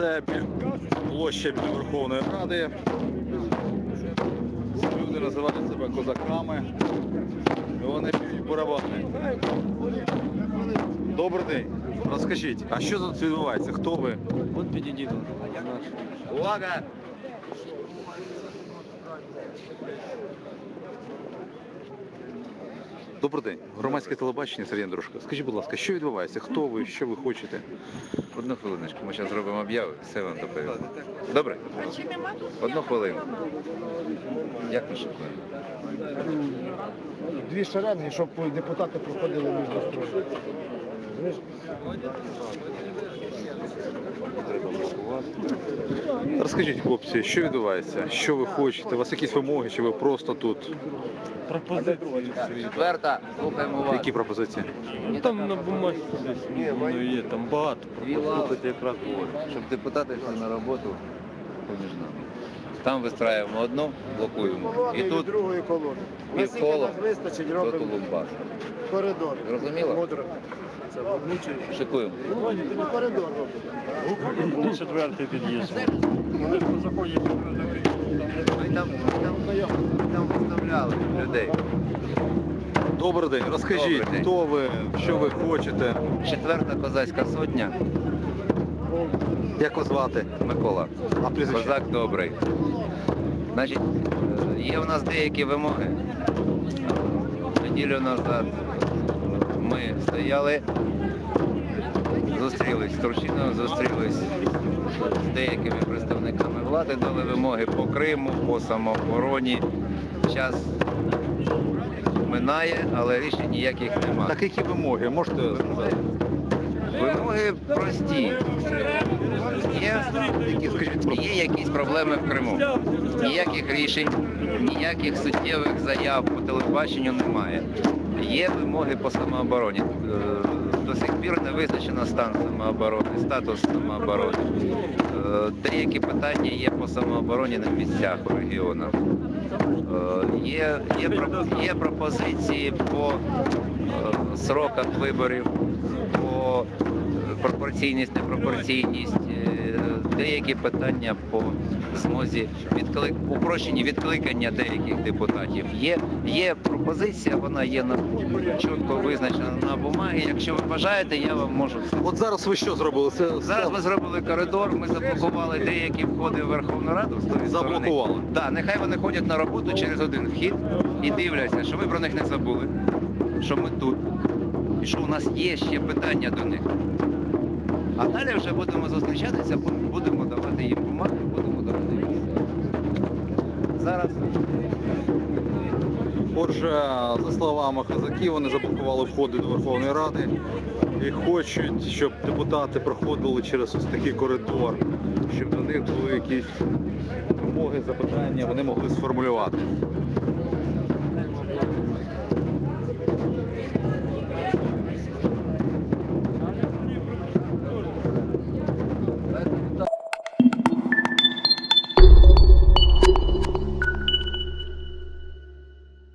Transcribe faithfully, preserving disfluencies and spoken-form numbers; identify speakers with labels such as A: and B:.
A: Це площа біля Верховної Ради. Люди називають себе козаками. І вони б'ють барабани. Добрий день. Розкажіть, а що тут відбувається? Хто ви?
B: Вот підійдіть.
A: Увага! Добрий день. Громадське телебачення, Сергій Андрушко. Скажіть, будь ласка, що відбувається? Хто ви? Що ви хочете?
C: Одну хвилиночку, ми зараз зробимо об'яву, все вам доповім. Добре? Одну хвилину. Як ми шукаємо?
D: Дві шеренги, щоб депутати проходили між строями.
A: Розкажіть, хлопці, що відбувається? Що ви хочете? У вас якісь вимоги, чи ви просто тут?
C: Четверта, слухаємо вас.
A: Які пропозиції?
B: Ну там на бумазі десь воно є, там багато.
C: Дві лави, якраз говорю, щоб депутати йшли на роботу поміж нами. Там вистраюємо одну, блокуємо. І тут
D: другої колони. Наскільки
C: півкола
D: нас вистачить,
C: до
D: робимо
C: Тулумба.
D: коридор.
C: Зрозуміло?
D: Мудро. Це влучить.
C: Шикуємо.
D: Ну, коридор робимо.
B: Четвертий під'їзд.
C: Ми там, там, там виставляли людей.
A: Добрий день. Розкажіть,
C: Добрий день.
A: хто ви, що ви хочете?
C: Четверта козацька сотня.
A: Як вас звати?
C: Микола.
A: А прізвище?
C: Козак добрий. Значить, е, є у нас деякі вимоги. Неділю назад ми стояли, зустрілись з Турчиновим, зустрілись з деякими представниками влади, дали вимоги по Криму, по самообороні. Час минає, але рішень ніяких немає.
A: Так які вимоги? Можете сказати?
C: Вимоги прості. Є,
A: Які, скажіть,
C: є якісь проблеми в Криму. Ніяких рішень, ніяких суттєвих заяв по телебаченню немає. Є вимоги по самообороні. Е, До сих пір не визначено стан самооборони, статус самооборони. Е, Деякі питання є по самообороні на місцях у регіонах. Е, Є, є, про- є пропозиції по е, сроках виборів, по пропорційність, непропорційність, е, деякі питання по змозі відклик... упрощені відкликання деяких депутатів. Є, є пропозиція, вона є на... чітко визначена на бумагі. Якщо ви бажаєте, я вам можу це.
A: От зараз ви що зробили? Це
C: Зараз ми зробили коридор, ми заблокували деякі входи в Верховну Раду з тої сторони.
A: Заблокували?
C: Так, нехай вони ходять на роботу через один вхід і дивляться, що ви про них не забули, що ми тут, і що у нас є ще питання до них. А далі вже будемо зустрічатися, будемо давати їм бумаги, будемо давати їм. Зараз
A: Отже, за словами козаків, вони заблокували входи до Верховної Ради і хочуть, щоб депутати проходили через ось такий коридор, щоб до них були якісь вимоги, запитання, вони могли сформулювати.